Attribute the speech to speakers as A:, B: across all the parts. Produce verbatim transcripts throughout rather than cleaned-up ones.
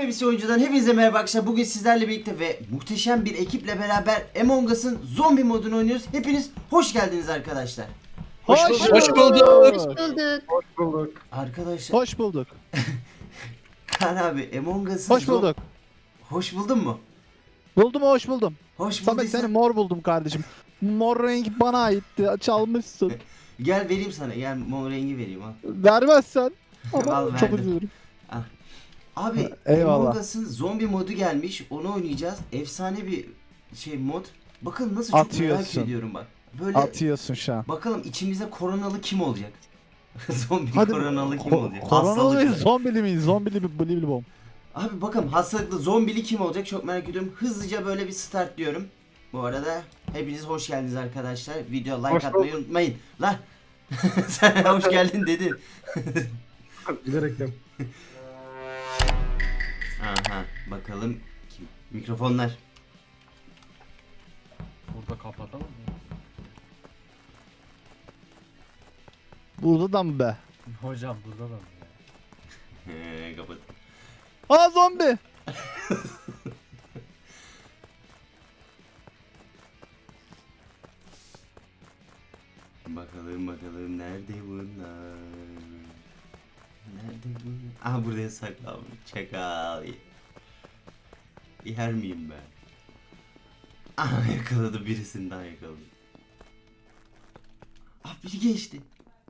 A: N P C oyuncudan hepinize merhaba arkadaşlar. Bugün sizlerle birlikte ve muhteşem bir ekiple beraber Among Us'ın zombi modunu oynuyoruz. Hepiniz hoş geldiniz arkadaşlar.
B: Hoş,
C: Hoş
B: bulduk.
C: bulduk.
B: Hoş
D: bulduk.
B: Hoş bulduk.
A: Arkadaşlar
C: Hoş bulduk.
A: Kaan abi Among Us'ın
C: Hoş bulduk.
A: Hoş buldun mu?
C: Buldum hoş buldum.
A: Hoş
C: Samet
A: bulduysan
C: seni mor buldum kardeşim. Mor renk bana aitti. Çalmışsın.
A: gel vereyim sana. Gel mor rengi vereyim al.
C: Vermezsen.
A: Al,
C: Ama çok
A: verdim.
C: üzülürüm.
A: Abi
C: Eyvallah.
A: Among Us'ın zombi modu gelmiş. Onu oynayacağız. Efsane bir şey mod. Bakın nasıl çok merak
C: Atıyorsun.
A: ediyorum bak. Böyle
C: Atıyorsun şu an.
A: bakalım içimizde koronalı kim olacak? Zombi
C: Hadi
A: koronalı kim
C: Ko-
A: olacak?
C: Koronalı mıyız?
A: Hastalıklı.
C: Zombili miyiz? Zombili mi? Bli bli bom.
A: Abi bakalım hastalıklı zombili kim olacak çok merak ediyorum. Hızlıca böyle bir start diyorum. Bu arada hepiniz hoş geldiniz arkadaşlar. Video like
B: Hoş
A: atmayı
B: bulduk.
A: unutmayın. Lan sen hoş geldin dedin.
B: Bilerekten.
A: Aha bakalım kim? Mikrofonlar.
E: Burada kapatalım mı?
C: Burada da mı be?
E: Hocam burada da mı ya?
A: He, kapat.
C: Aa zombi.
A: Bakalım bakalım nerede bunlar? Nerede bunlar? Aha buraya saklanmış. Çakal. Yer miyim ben? Aha yakaladı birisini daha yakaladı. Ah biri geçti.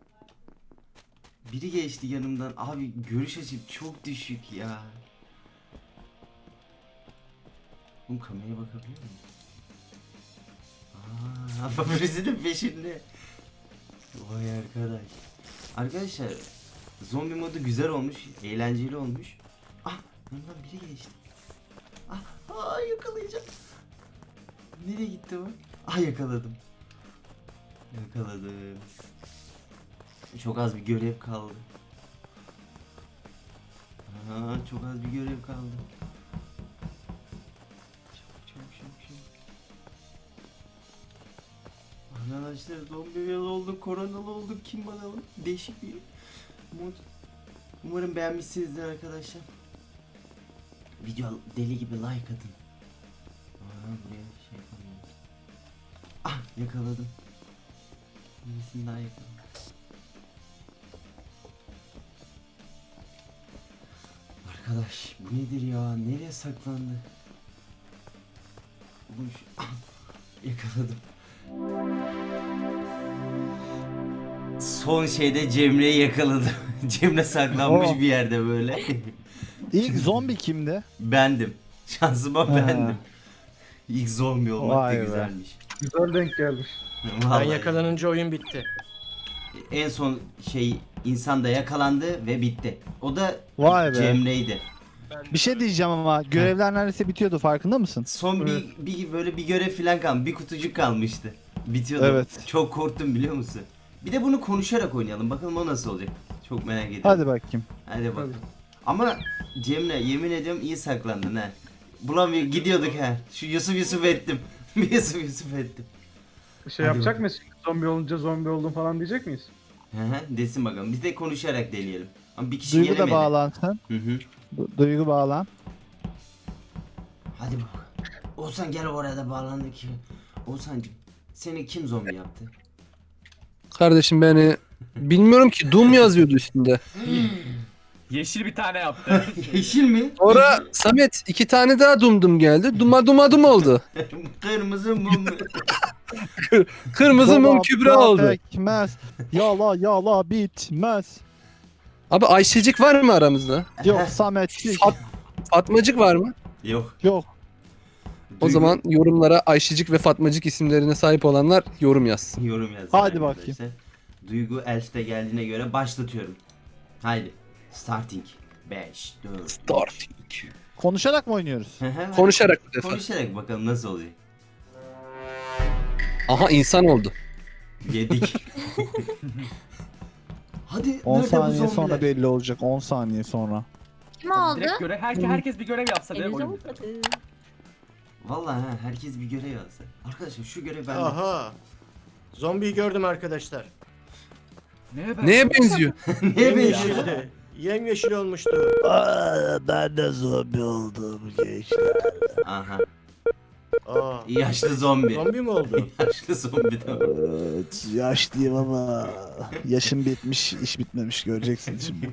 A: Biri geçti yanımdan. Abi görüş açım çok düşük ya. Oğlum kameraya bakabiliyor muyum? Aa, birisi de peşinde. Vay arkadaş. Arkadaşlar zombi modu güzel olmuş, eğlenceli olmuş. Ah, yanından biri geçti. Ah, aa, yakalayacağım. Nereye gitti o? Ah yakaladım. Yakaladım. Çok az bir görev kaldı. Aa, çok az bir görev kaldı. Çabuk çabuk çabuk çabuk. Arkadaşlar zombi olduk, koronalı olduk, kim bakalım? Değişik bir mod. Umarım beğenmişsinizdir arkadaşlar. Video deli gibi like atın. Aa, buraya şey yapamıyorum. Ah yakaladım. Birisini daha yakaladım. Arkadaş bu nedir ya? Nereye saklandı? Oğlum şu... Ah, yakaladım. Son şeyde Cemre'yi yakaladım. Cemre saklanmış
C: Oh.
A: bir yerde böyle.
C: İlk zombi kimdi?
A: Bendim. Şansıma
C: Ha.
A: bendim. İlk zombi olmak
C: Vay
A: da
C: be.
A: güzelmiş.
B: Güzel denk gelmiş.
D: Ben
A: Vallahi.
D: yakalanınca oyun bitti.
A: En son şey insan da yakalandı ve bitti. O da
C: Vay be.
A: Cemre'ydi.
C: Bir şey diyeceğim ama görevler neredeyse bitiyordu farkında mısın?
A: Son bir, bir böyle bir görev falan kalmış. Bir kutucuk kalmıştı. Bitiyordu.
C: Evet.
A: Çok korktum biliyor musun? Bir de bunu konuşarak oynayalım. Bakalım o nasıl olacak. Çok merak ediyorum.
C: Hadi bakayım.
A: Hadi bak. Ama Cemre yemin ediyorum iyi saklandın ha. Bulamıyor gidiyorduk ha. Şu Yusuf Yusuf ettim. Bir Yusuf Yusuf ettim.
B: Şey
A: Hadi
B: yapacak
A: bakalım.
B: mıyız? Zombi olunca zombi oldum falan diyecek miyiz?
A: Hı hı desin bakalım. Biz de konuşarak deneyelim. Ama bir kişi
C: Duygu da
A: gelemedi.
C: bağlansın.
A: Hı hı.
C: Du- Duygu bağlan.
A: Hadi bak. Oğuzhan gel oraya da bağlandı ki. Oğuzhan'cım seni kim zombi yaptı?
F: Kardeşim beni bilmiyorum ki Doom yazıyordu üstünde.
E: Yeşil bir tane yaptı.
A: Yeşil mi?
F: Sonra Samet iki tane daha Doom Doom geldi. Duma Duma Dum oldu.
A: Kırmızı mum.
F: Kırmızı mum
C: Dolap
F: kübra
C: da
F: oldu.
C: Pekmez. Yala yala bitmez.
F: Abi Ayşecik var mı aramızda?
C: Yok Sametçik.
F: Fat- Fatmacık var mı?
A: Yok.
C: Yok.
F: O
A: Duygu-
F: zaman yorumlara Ayşecik ve Fatmacık isimlerine sahip olanlar yorum yazsın.
A: yorum yazın.
C: Hadi
A: arkadaşlar.
C: bakayım.
A: Duygu Elf'te geldiğine göre başlatıyorum. Haydi. Starting. beş, dört,
F: Starting.
A: iki.
C: Konuşarak mı oynuyoruz?
F: Konuşarak bu defa.
A: Konuşarak bakalım nasıl olacak.
F: Aha insan oldu.
A: Yedik. Hadi
C: on
A: nerede bu
C: saniye
A: zombiler?
C: sonra belli olacak. on saniye sonra.
D: Kim oldu?
E: Direkt göre herke, herkes bir görev yapsa direkt
D: Elinize
E: oyun biter.
D: vurmadı.
A: Vallahi ha herkes bir görev alsa. Arkadaşlar şu görev bende.
G: Aha. Zombiyi gördüm arkadaşlar.
E: Neye ben?
F: Neye benziyor?
A: Neye benziyor?
G: Yeşildi. Yemyeşil olmuştu.
H: Aa, ben de zombi oldum gençler.
A: Aha.
G: Aa,
A: Yaşlı zombi.
G: zombi mi oldu?
A: Yaşlı zombi de var.
H: Evet, yaşlıyım ama yaşım bitmiş, iş bitmemiş göreceksin şimdi.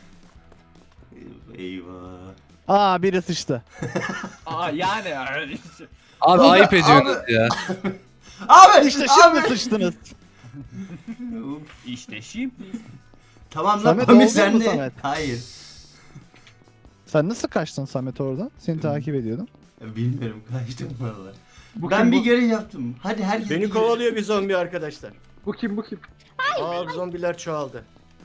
A: Eyvah.
C: Aa biri sıçtı.
E: Aa yani.
F: Abi
A: Abi,
F: ayıp ediyorsunuz
A: abi.
F: ya.
A: Abi!
C: İşte şimdi
A: abi!
C: sıçtınız.
A: Uf.
E: İşte şimdi.
A: Tamam lan
C: Samet
A: Pamir
C: oldu
A: sen
C: mu
A: de.
C: Samet?
A: Hayır.
C: Sen nasıl kaçtın Samet oradan? Seni takip ediyordum.
A: Bilmiyorum kaçtım valla.
B: Bu
A: Ben
B: kim,
A: bir
B: bu?
A: görev yaptım. Hadi herkes
G: Beni
A: bir
G: kovalıyor bir zombi arkadaşlar.
B: Bu kim bu kim?
G: Aa zombiler çoğaldı.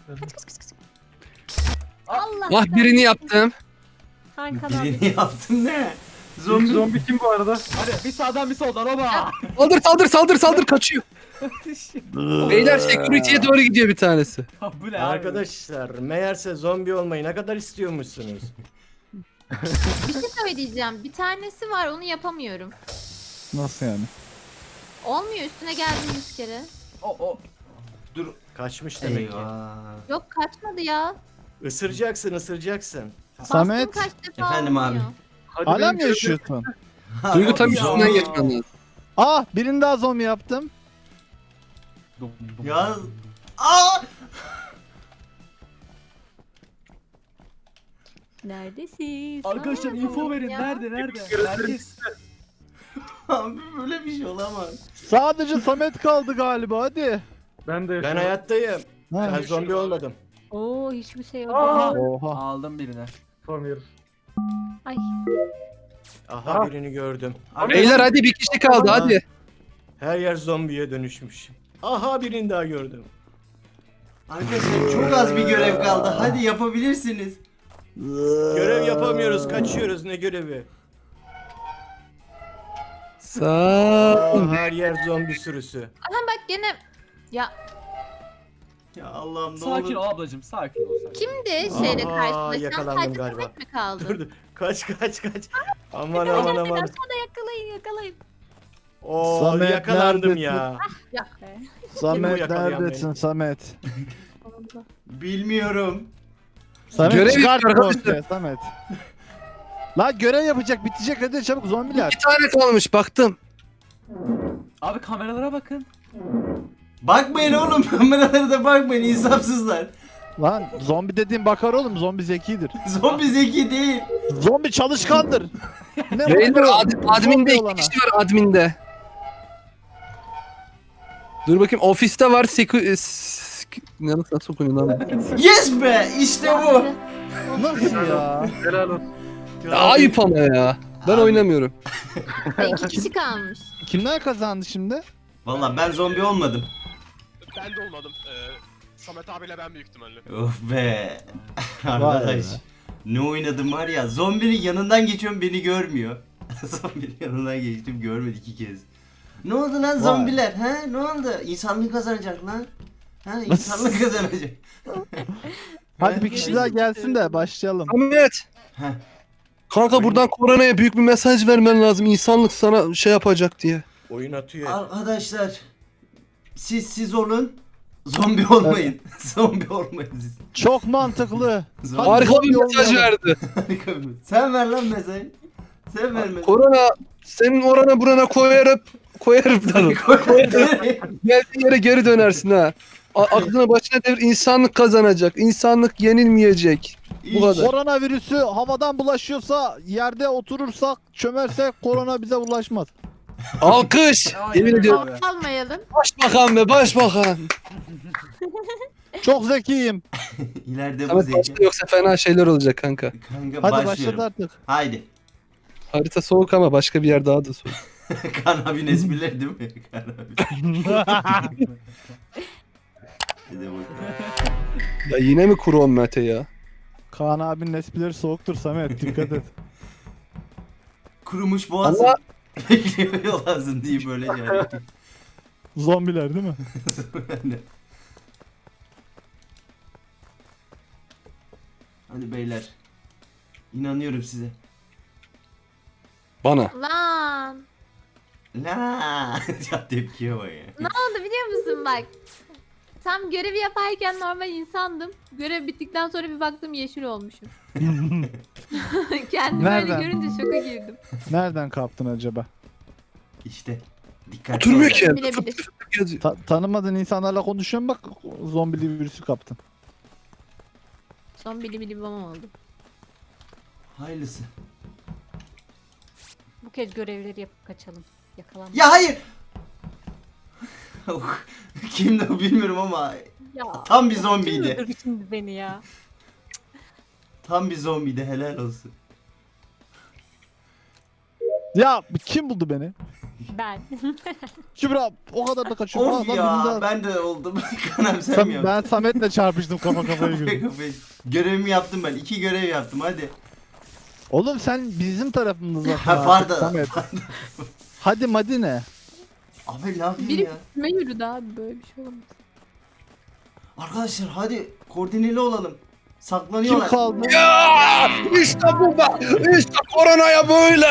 I: Allah.
F: Ah birini yaptım.
I: Hakan
A: görev-
I: abi.
A: Birini yaptım ne?
B: Zombi.
A: Zombi.
B: Zombi kim bu arada?
E: Hadi bir sağdan bir soldan oba.
F: Saldır saldır saldır saldır kaçıyor. Beyler security'ye doğru gidiyor bir tanesi.
E: Bu ne abi?
G: Arkadaşlar meğerse zombi olmayı ne kadar istiyormuşsunuz.
I: Bir şey söyleyeceğim. Bir tanesi var onu yapamıyorum.
C: Nasıl yani?
I: Olmuyor üstüne geldim yüz kere.
E: O o.
A: Dur.
G: Kaçmış demek ki.
A: Eyvah.
I: Yok kaçmadı ya.
G: Isıracaksın ısıracaksın.
I: Bastım
C: Samet.
I: kaç defa
A: Efendim abi.
I: olmuyor.
B: Hadi
C: Hala
B: benim
C: mı
B: görev-
C: yaşıyorsun?
F: Duygu tam
A: Ya.
F: üstünden geçmen lazım.
C: Ah birini daha zombi yaptım.
E: Dum, dum,
A: Ya.
E: dum.
A: Aa!
I: Neredesin?
E: Arkadaşlar
I: Aa,
E: info verin.
I: ya.
E: Nerede nerede? Herkes.
A: Abi böyle bir şey olamaz.
C: Sadece Samet kaldı galiba hadi.
B: Ben de
G: Ben
B: yaşıyorum.
G: hayattayım.
C: Ha.
G: Ben zombi olmadım.
I: Oo hiçbir şey yok.
B: Aa!
C: Oha.
E: Aldım birine.
B: Pamir.
I: Ay.
G: Aha
B: Ah.
G: birini gördüm.
F: Beyler hadi bir kişi kaldı hadi.
G: Her yer zombiye dönüşmüş. Aha birini daha gördüm.
A: Arkadaşlar çok az bir görev kaldı. Hadi yapabilirsiniz.
G: Görev yapamıyoruz, kaçıyoruz ne görevi?
F: Sağ
G: Aa, her yer zombi sürüsü.
I: Aha bak gene. Ya
A: Ya Allah'ım ne
E: Sakin ol
A: olur.
E: ablacım sakin ol. Sakin.
I: kimdi şeyle
G: Aa,
I: karşılaşan?
G: yakalandım
I: Sadece
G: galiba.
I: Samet mi kaldı?
G: Dur dur. Kaç kaç kaç. Aman aman aman.
I: Aşağıda yakalayın yakalayın.
G: Oo
C: Samet,
G: yakalandım
C: neredesin?
G: ya.
I: Ya.
C: Samet
G: yakalayan
C: neredesin
G: beni?
C: Samet?
A: Bilmiyorum.
C: Samet
F: Görev
C: çıkart
F: yapıyor arkadaşlar.
C: ortaya Samet. La görev yapacak bitecek hadi çabuk zombiler.
F: İki tane kalmış baktım.
E: Abi kameralara bakın.
A: Bakmayın oğlum kameralara da bakmayın insafsızlar.
C: Lan zombi dediğin bakar oğlum zombi zekidir.
A: Zombi zeki değil.
C: Zombi çalışkandır. Ne
F: Beyler
C: bakıyor?
F: ad, adminde
C: Zombi
F: iki
C: olana.
F: kişi var adminde. Dur bakayım ofiste var seku... e, s- Ne nasıl okunuyor lan?
A: Yes be işte bu.
C: Nasıl ya?
B: Helal olsun.
F: Ya, ayıp ama ya. Ben
A: Abi.
F: oynamıyorum.
I: Ay, İki kişi kalmış.
C: Kimler kazandı şimdi?
A: Valla ben zombi olmadım.
J: Ben de olmadım. Ee, Samet abiyle ben büyük ihtimalle.
A: Of be.
C: Vay
A: Arkadaş.
C: be.
A: Ne oynadım var ya. Zombinin yanından geçiyorum beni görmüyor. Zombinin yanından geçtim görmedi iki kez. Ne oldu lan zombiler? Ha? Ne oldu? İnsanlık kazanacak lan. Ha? İnsanlık kazanacak.
C: Hadi bir kişi daha gelsin de başlayalım.
F: Ahmet.
A: Heh.
F: Kanka buradan koronaya büyük bir mesaj vermen lazım. İnsanlık sana şey yapacak diye.
G: Oyun atıyor.
A: Arkadaşlar. Siz siz olun. Zombi olmayın. Zombi olmayın siz.
C: Çok mantıklı.
A: Zombi.
C: Hadi
F: Harika bir
C: zombi
F: mesaj
C: olmayalım.
F: verdi.
A: Harika bir- Sen ver lan mesajı. Sen ver mesajı.
F: Korona senin orana burana koyarıp koyarıp da geldiğin yere geri dönersin ha. A- aklına başına devir insanlık kazanacak. İnsanlık yenilmeyecek. Bu kadar.
C: Koronavirüsü havadan bulaşıyorsa yerde oturursak çömersek korona bize ulaşmaz.
F: Alkış.
E: Aynen
F: Yemin
E: öyle
F: ediyorum.
E: abi.
I: Almayalım.
F: Başbakan be başbakan.
C: Çok zekiyim.
A: İleride bu
F: Samet
A: zeki.
F: başla yoksa fena şeyler olacak kanka.
A: Kanka
C: Hadi
A: başlıyorum.
C: başladı artık.
A: Haydi.
F: Harita soğuk ama başka bir yer daha da soğuk.
A: Kan abinin esprileri değil mi? Kan abi. Hadi bakalım.
F: Ya yine mi kuru Mete ya?
C: Kaan abinin esprileri soğuktur Samet dikkat et.
A: Kurumuş boğazın.
F: Allah-
A: Bekliyor yol ağzın diye böyle yani.
C: Zombiler değil mi?
A: Hadi beyler. İnanıyorum size.
F: Bana.
I: Lan.
A: La ya tepkiye bak ya.
I: Ne oldu biliyor musun bak. Tam görevi yaparken normal insandım. Görev bittikten sonra bir baktım yeşil olmuşum. Kendimi
C: Nereden?
I: öyle görünce şoka girdim.
C: Nereden kaptın acaba?
A: İşte. Dikkat.
F: Oturmuyor ki.
I: Bilebilir.
F: Yazıyor.
C: Ta- tanımadığın insanlarla konuşuyorsun bak zombili virüsü kaptın.
I: Son bili bili babam oldu.
A: Hayırlısı.
I: Bu kez görevleri yapıp kaçalım. Yakalanma.
A: Ya hayır. Kimdi o bilmiyorum ama
I: Ya,
A: tam bir zombiydi.
I: öldürdü şimdi beni ya.
A: Tam bir zombiydi, helal olsun.
C: Ya kim buldu beni?
I: Ben.
C: Kübra o kadar da kaçıyorum.
A: Of
C: Aa, lan
A: ya
C: birinde-
A: ben de oldum. Kanem
C: Sam-
A: sevmiyorum.
C: ben Samet'le çarpıştım kafa kafaya girdim.
A: Görevimi yaptım ben. İki görev yaptım hadi.
C: Oğlum sen bizim tarafımızda.
A: Ha pardon.
C: Samet. Hadi Madine.
A: Abi ne yapayım
I: Biri
A: ya?
I: üstüme yürüdü abi böyle bir şey olamaz.
A: Arkadaşlar hadi koordineli olalım.
C: Kim
A: Saklanıyorlar.
C: kaldı?
F: Ya işte bu be. İşte koronaya böyle.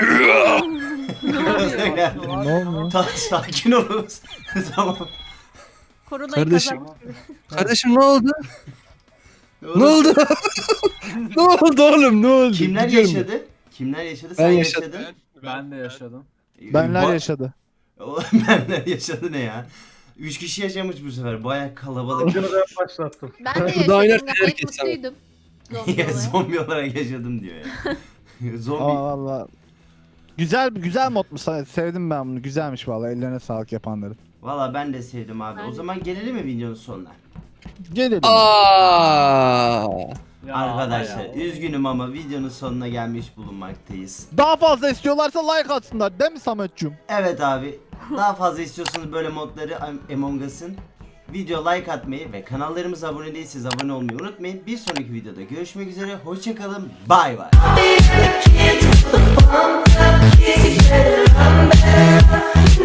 C: Ne oldu?
A: Ta- sakin olunuz. Tamam.
I: Koronayı
F: Kardeşim.
I: kazanmış gibi.
F: Kardeşim ne oldu?
A: Oğlum,
F: Ne oldu? Ne oldu oğlum ne oldu?
A: Kimler
F: Gidiyorum.
A: yaşadı? Kimler yaşadı?
F: Ben
A: Sen
F: yaşadım.
A: yaşadın.
E: Ben de yaşadım.
C: Benler
A: Ba-
C: yaşadı.
A: Oğlum benler yaşadı ne ya? Üç kişi yaşamış bu sefer. Baya kalabalık.
B: Oyunu ben başlattım.
I: Ben de
F: Daha
I: yaşadım.
F: inerken
I: Gayet
F: herkes sana.
I: mutluydum. Zombi
A: Ya,
I: olarak.
A: zombi olarak yaşadım diyor ya.
C: Aa
A: Zombi.
C: valla. Güzel güzel modmuş. Sevdim ben bunu. Güzelmiş valla. Ellerine sağlık yapanların.
A: Valla ben de sevdim abi.
I: Ben
A: O
I: de.
A: zaman gelelim mi videonun sonuna?
C: Gelelim.
F: Aa.
E: Ya
A: Arkadaşlar
E: ya.
A: üzgünüm ama videonun sonuna gelmiş bulunmaktayız.
C: Daha fazla istiyorlarsa like atsınlar değil mi Samet'cum?
A: Evet abi. Daha fazla istiyorsanız böyle modları Am- Among Us'ın video like atmayı ve kanallarımıza abone değilseniz abone olmayı unutmayın. Bir sonraki videoda görüşmek üzere. Hoşçakalın. Bay bay.
K: Can't